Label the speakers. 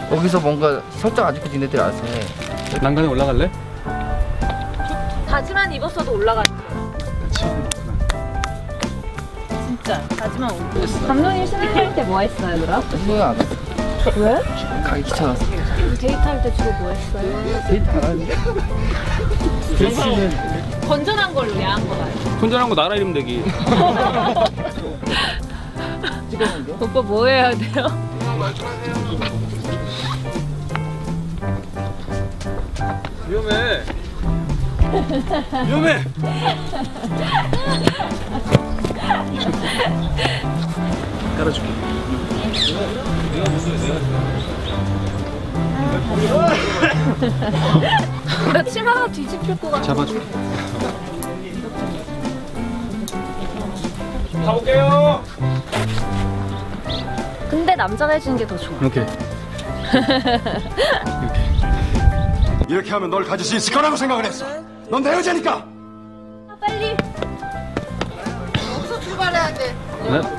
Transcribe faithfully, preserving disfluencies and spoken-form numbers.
Speaker 1: 거기서 뭔가 설정 안 지켜 니네들이 알아서 해.
Speaker 2: 난간에 올라갈래?
Speaker 3: 바지만 입었어도 올라가지.
Speaker 2: 지금
Speaker 3: 진짜 바지만 입고. 감독님 신혼여행 때 뭐 했어요 그럼?
Speaker 1: 신경 안 했어.
Speaker 3: 왜?
Speaker 1: 가기 귀찮았어.
Speaker 3: 데이트할 때 주로 뭐 했어요?
Speaker 1: 데이트 안 하는데?
Speaker 3: 데이트는 건전한 걸로 야한 거 말고.
Speaker 2: 혼자란 거 나라 이름 대기.
Speaker 3: 오빠 뭐 해야 돼요?
Speaker 2: 위험해. 위험해. 깔아줄게.
Speaker 3: 나 치마가 뒤집힐 것 같아.
Speaker 2: 잡아줄게. 가볼게요.
Speaker 3: 근데 남자가 해주는 게 더 좋아.
Speaker 2: 이렇게. 이렇게.
Speaker 4: 이렇게 하면 널 가질 수 있을 거라고 생각을 했어. 넌 내 여자니까.
Speaker 3: 아, 빨리.
Speaker 5: 여기서 출발해야 돼.
Speaker 2: 네?